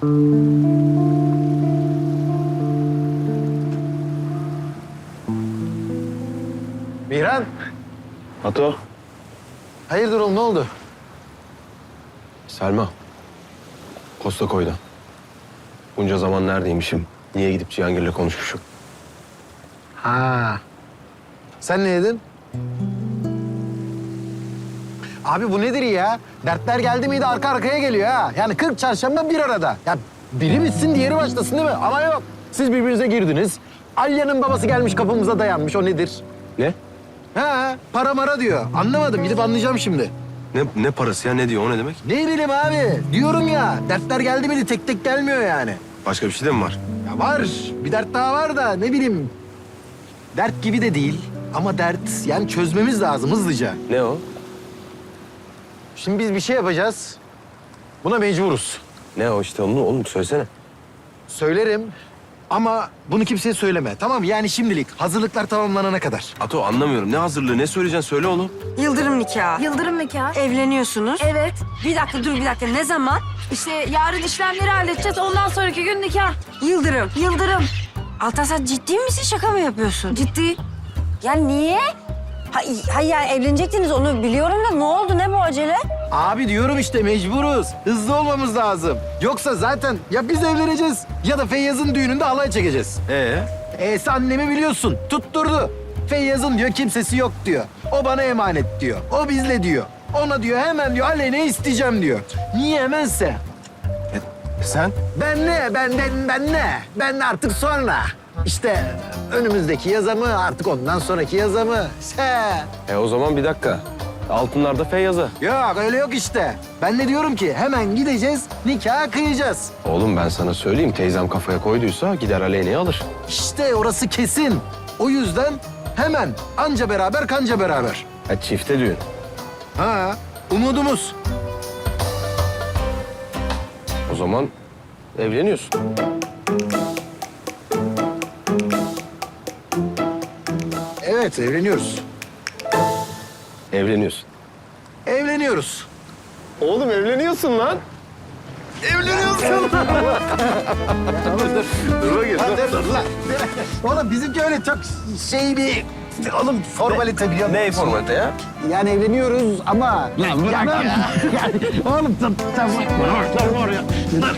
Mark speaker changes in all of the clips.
Speaker 1: Mihran.
Speaker 2: Ato.
Speaker 1: Hayırdır oğlum, ne oldu?
Speaker 2: Selma. Posta koydu. Bunca zaman neredeymişim? Niye gidip Cihangir'le konuşmuşum?
Speaker 1: Ha. Sen ne yedin? Abi bu nedir ya? Dertler geldi miydi arka arkaya geliyor ha. Yani 40 çarşamba bir arada. Ya biri bitsin diğeri başlasın değil mi? Ama yok. Siz birbirinize girdiniz. Alya'nın babası gelmiş kapımıza dayanmış. O nedir?
Speaker 2: Ne?
Speaker 1: Ha, para mara diyor. Anlamadım. Gidip anlayacağım şimdi.
Speaker 2: Ne parası ya? Ne diyor? O ne demek?
Speaker 1: Ne bileyim abi. Diyorum ya. Dertler geldi miydi tek tek gelmiyor yani.
Speaker 2: Başka bir şey de mi var?
Speaker 1: Ya var. Bir dert daha var da ne bileyim. Dert gibi de değil. Ama dert yani çözmemiz lazım hızlıca.
Speaker 2: Ne o?
Speaker 1: Şimdi biz bir şey yapacağız. Buna mecburuz.
Speaker 2: Ne o işte onu oğlum söylesene.
Speaker 1: Söylerim ama bunu kimseye söyleme. Tamam mı? Yani şimdilik hazırlıklar tamamlanana kadar.
Speaker 2: Ato anlamıyorum. Ne hazırlığı? Ne söyleyeceksin? Söyle oğlum.
Speaker 3: Yıldırım nikahı.
Speaker 4: Yıldırım nikahı.
Speaker 3: Evleniyorsunuz.
Speaker 4: Evet.
Speaker 3: Bir dakika dur bir dakika. Ne zaman?
Speaker 4: İşte yarın işlemleri halledeceğiz. Ondan sonraki gün nikah.
Speaker 3: Yıldırım.
Speaker 4: Yıldırım.
Speaker 3: Altan sen ciddi misin? Şaka mı yapıyorsun?
Speaker 4: Ciddi.
Speaker 3: Ya niye? Hayır yani evlenecektiniz onu biliyorum da ne oldu? Ne bu acele?
Speaker 1: Abi diyorum işte mecburuz. Hızlı olmamız lazım. Yoksa zaten ya biz evleneceğiz ya da Feyyaz'ın düğününde halay çekeceğiz. Sen annemi biliyorsun. Tutturdu. Feyyaz'ın diyor kimsesi yok diyor. O bana emanet diyor. O bizle diyor. Ona diyor hemen diyor Aleyna'yı isteyeceğim diyor. Niye hemense?
Speaker 2: Sen?
Speaker 1: Ben ne? Ben ne? Ben artık sonra. İşte önümüzdeki yaza mı, artık ondan sonraki yaza mı?
Speaker 2: O zaman bir dakika. Altınlarda Feyyaz'a.
Speaker 1: Yok öyle yok işte. Ben de diyorum ki hemen gideceğiz, nikah kıyacağız.
Speaker 2: Oğlum ben sana söyleyeyim. Teyzem kafaya koyduysa gider Aleyna'yı alır.
Speaker 1: İşte orası kesin. O yüzden hemen anca beraber kanca beraber.
Speaker 2: Çifte düğün.
Speaker 1: Ha, umudumuz.
Speaker 2: O zaman evleniyorsun.
Speaker 1: Evet, evleniyoruz.
Speaker 2: Evleniyorsun.
Speaker 1: Evleniyoruz.
Speaker 2: Oğlum evleniyorsun lan.
Speaker 1: Evleniyorsun.
Speaker 2: Dur bakayım.
Speaker 1: Dur lan. Oğlum bizimki öyle çok şey bir... Oğlum formalite biliyor musun?
Speaker 2: Ne formalite ya?
Speaker 1: Yani evleniyoruz ama... Lan bırak ya. Oğlum tamam. Var ya.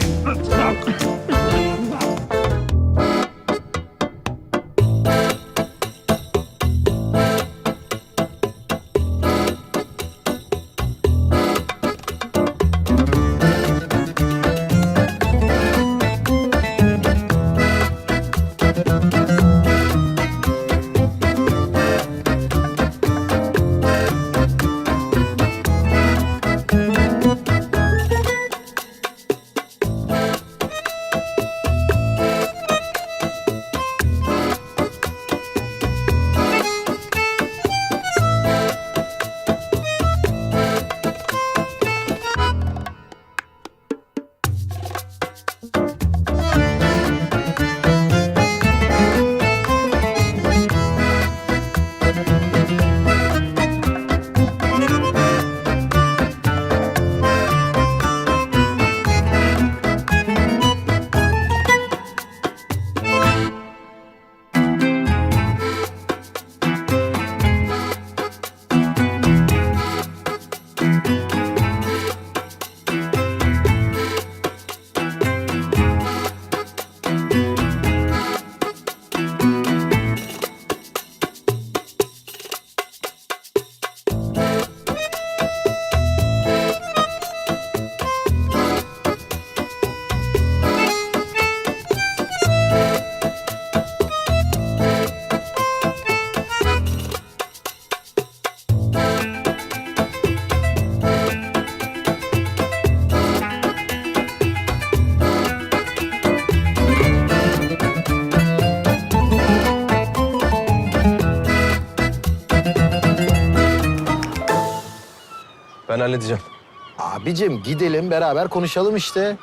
Speaker 2: Ben halledeceğim.
Speaker 1: Abicim gidelim beraber konuşalım işte.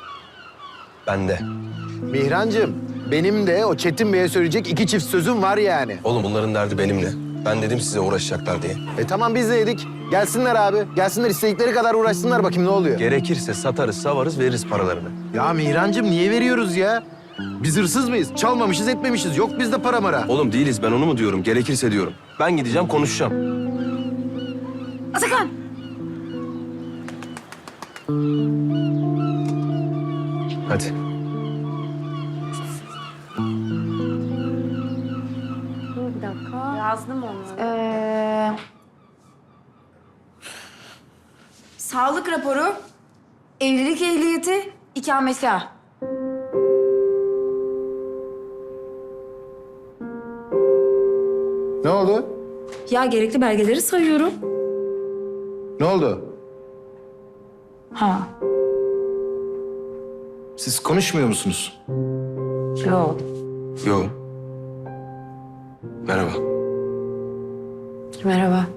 Speaker 2: Ben de.
Speaker 1: Mihrancığım benim de o Çetin Bey'e söyleyecek 2 çift sözüm var yani.
Speaker 2: Oğlum bunların derdi benimle. Ben dedim size uğraşacaklar diye.
Speaker 1: Tamam biz de yedik. Gelsinler abi. Gelsinler istedikleri kadar uğraşsınlar bakayım ne oluyor.
Speaker 2: Gerekirse satarız, savarız, veririz paralarını.
Speaker 1: Ya Mihrancığım niye veriyoruz ya? Biz hırsız mıyız? Çalmamışız, etmemişiz. Yok bizde para mara.
Speaker 2: Oğlum değiliz, ben onu mu diyorum? Gerekirse diyorum. Ben gideceğim, konuşacağım.
Speaker 4: Atakan.
Speaker 2: Hadi.
Speaker 3: Bir dakika. Yazdım onu.
Speaker 4: Sağlık raporu, evlilik ehliyeti, ikametgah.
Speaker 1: Ne oldu?
Speaker 4: Ya gerekli belgeleri sayıyorum.
Speaker 1: Ne oldu?
Speaker 4: Ha.
Speaker 1: Siz konuşmuyor musunuz?
Speaker 3: Yok.
Speaker 2: Yo. Merhaba.
Speaker 3: Merhaba.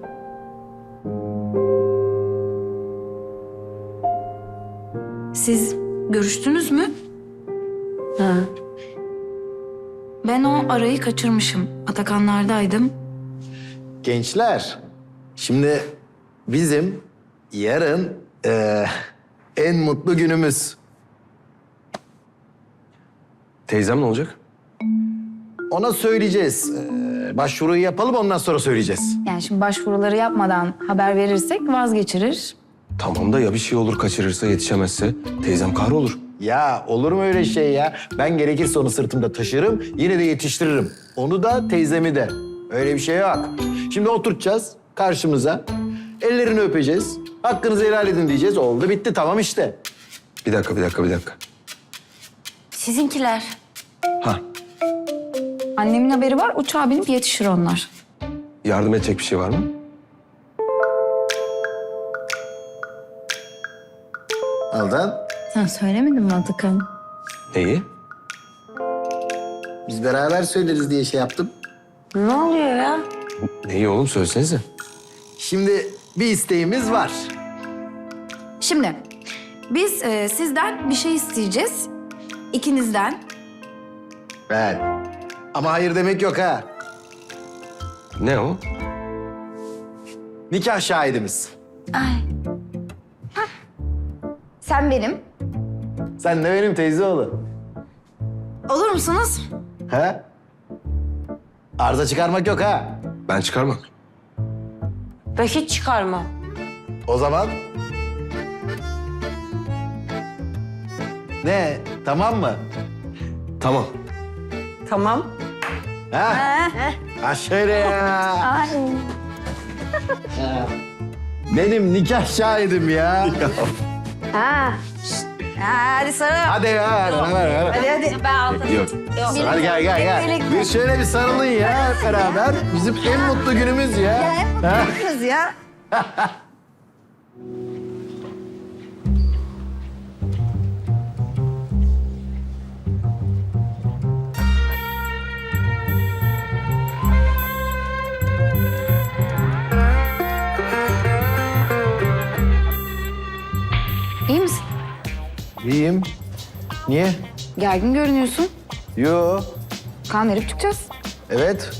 Speaker 4: Siz görüştünüz mü?
Speaker 3: Ha.
Speaker 4: Ben o arayı kaçırmışım. Atakanlardaydım.
Speaker 1: Gençler, şimdi bizim yarın en mutlu günümüz.
Speaker 2: Teyzem ne olacak?
Speaker 1: Ona söyleyeceğiz. Başvuruyu yapalım ondan sonra söyleyeceğiz.
Speaker 4: Yani şimdi başvuruları yapmadan haber verirsek vazgeçirir.
Speaker 2: Tamam da ya bir şey olur, kaçırırsa, yetişemezse? Teyzem kahrolur.
Speaker 1: Ya olur mu öyle şey ya? Ben gerekirse onu sırtımda taşırım, yine de yetiştiririm. Onu da teyzemi de. Öyle bir şey yok. Şimdi oturtacağız karşımıza. Ellerini öpeceğiz. Hakkınızı helal edin diyeceğiz. Oldu bitti tamam işte.
Speaker 2: Bir dakika.
Speaker 3: Sizinkiler.
Speaker 2: Ha,
Speaker 4: Annemin haberi var, uçağa binip yetişir onlar.
Speaker 2: yardım edecek bir şey var mı?
Speaker 1: Aldan,
Speaker 4: Sen söylemedin mi Atakan?
Speaker 2: Neyi?
Speaker 1: biz beraber söyleriz diye şey yaptım.
Speaker 3: Ne oluyor ya?
Speaker 2: Neyi oğlum, söylesenize.
Speaker 1: Şimdi bir isteğimiz var.
Speaker 4: Şimdi biz sizden bir şey isteyeceğiz. İkinizden.
Speaker 1: Ben. Ama hayır demek yok ha.
Speaker 2: Ne o?
Speaker 1: Nikah şahidimiz.
Speaker 4: Sen benim.
Speaker 1: Sen de benim teyze oğlu.
Speaker 4: Olur musunuz?
Speaker 1: Ha? Arıza çıkarmak yok ha.
Speaker 2: Ben çıkarmam.
Speaker 3: Ben hiç çıkarma.
Speaker 1: O zaman... Ne? Tamam mı?
Speaker 2: Tamam.
Speaker 3: Tamam.
Speaker 1: Ha? Ha şöyle ya.
Speaker 4: Ay.
Speaker 1: Benim nikah şahidim ya.
Speaker 3: Ha.
Speaker 4: Hadi sarıl.
Speaker 1: Hadi ya. Hadi.
Speaker 3: Hadi. Ben aldım.
Speaker 2: Yok.
Speaker 1: Hadi gel. Bir şöyle bir sarılın ya hep beraber. Bizim en mutlu günümüz ya. Ha?
Speaker 4: Kız ya. İyi misin?
Speaker 1: İyiyim. Niye?
Speaker 4: Gergin görünüyorsun.
Speaker 1: Yo.
Speaker 4: Kan verip çıkacağız.
Speaker 1: Evet.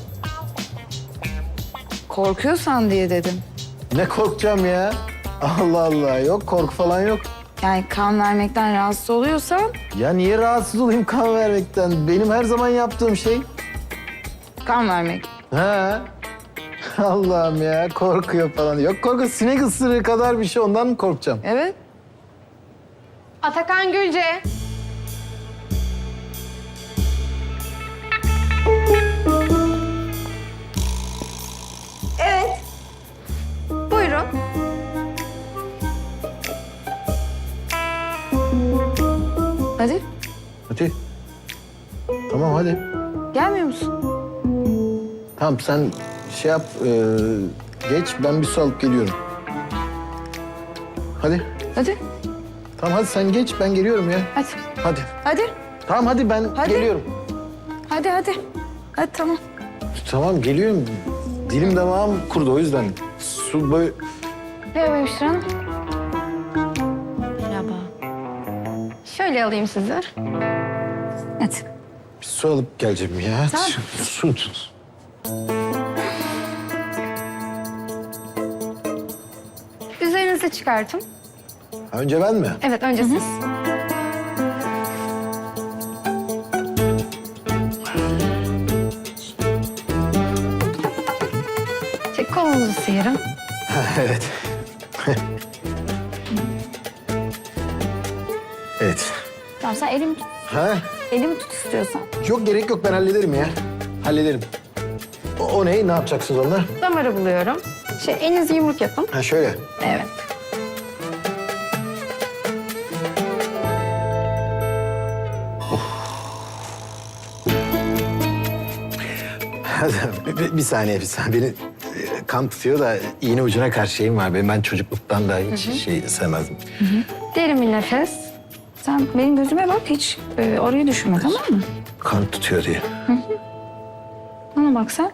Speaker 4: Korkuyorsan diye dedim.
Speaker 1: Ne korkacağım ya? Allah Allah. Yok korku falan yok.
Speaker 4: Yani kan vermekten rahatsız oluyorsan
Speaker 1: Ya niye rahatsız olayım kan vermekten? Benim her zaman yaptığım şey.
Speaker 4: kan vermek.
Speaker 1: Ha? Allah'ım ya korkuyor falan. Yok korku sinek ısırığı kadar bir şey ondan mı korkacağım?
Speaker 4: Evet.
Speaker 5: Atakan Gülce. Evet. Buyurun.
Speaker 4: Hadi.
Speaker 1: Hadi. Tamam hadi.
Speaker 4: Gelmiyor musun?
Speaker 1: Tamam sen şey yap geç ben bir su alıp geliyorum. Hadi.
Speaker 4: Hadi.
Speaker 1: Tamam hadi sen geç ben geliyorum ya.
Speaker 4: Hadi.
Speaker 1: Hadi.
Speaker 4: Hadi.
Speaker 1: Tamam hadi ben
Speaker 4: Hadi.
Speaker 1: geliyorum.
Speaker 4: Hadi. Hadi tamam.
Speaker 1: Tamam geliyorum. Dilim damağım kurudu o yüzden. Su böyle...
Speaker 4: Merhaba Hemşire Hanım.
Speaker 3: Merhaba.
Speaker 5: Şöyle alayım sizi.
Speaker 4: Hadi.
Speaker 1: Bir su alıp geleceğim ya.
Speaker 4: Tamam.
Speaker 1: Su tut.
Speaker 5: siz çıkartın.
Speaker 1: Önce ben mi?
Speaker 5: Evet, önce siz. Kolunuzu sıyırın.
Speaker 1: Evet. Evet.
Speaker 3: Tamam sen elimi tut.
Speaker 1: Ha?
Speaker 3: Elimi tut istiyorsan.
Speaker 1: Yok gerek yok ben hallederim ya. Hallederim. O ne? Ne yapacaksınız onunla?
Speaker 5: Damarı buluyorum. Elinizi yumruk yapın.
Speaker 1: Ha şöyle.
Speaker 5: Evet.
Speaker 1: Bir saniye. Beni kan tutuyor da iğne ucuna karşı şeyim var. Ben çocukluktan da hiç şey sevmezdim.
Speaker 5: Derin bir nefes. Sen benim gözüme bak, hiç orayı düşünme, tamam mı?
Speaker 1: Kan tutuyor diye.
Speaker 5: Bana bak sen.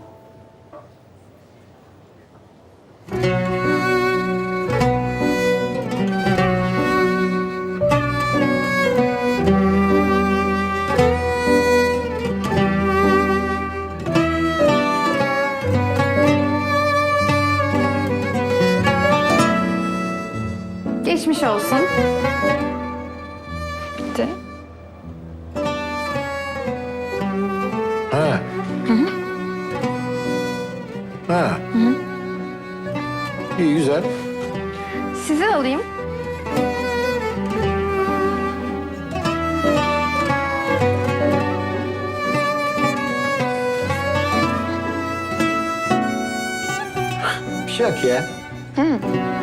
Speaker 5: Geçmiş olsun. Bitti.
Speaker 1: Ha. Ha. İyi güzel.
Speaker 5: Sizi alayım.
Speaker 1: Bir şey yok ya.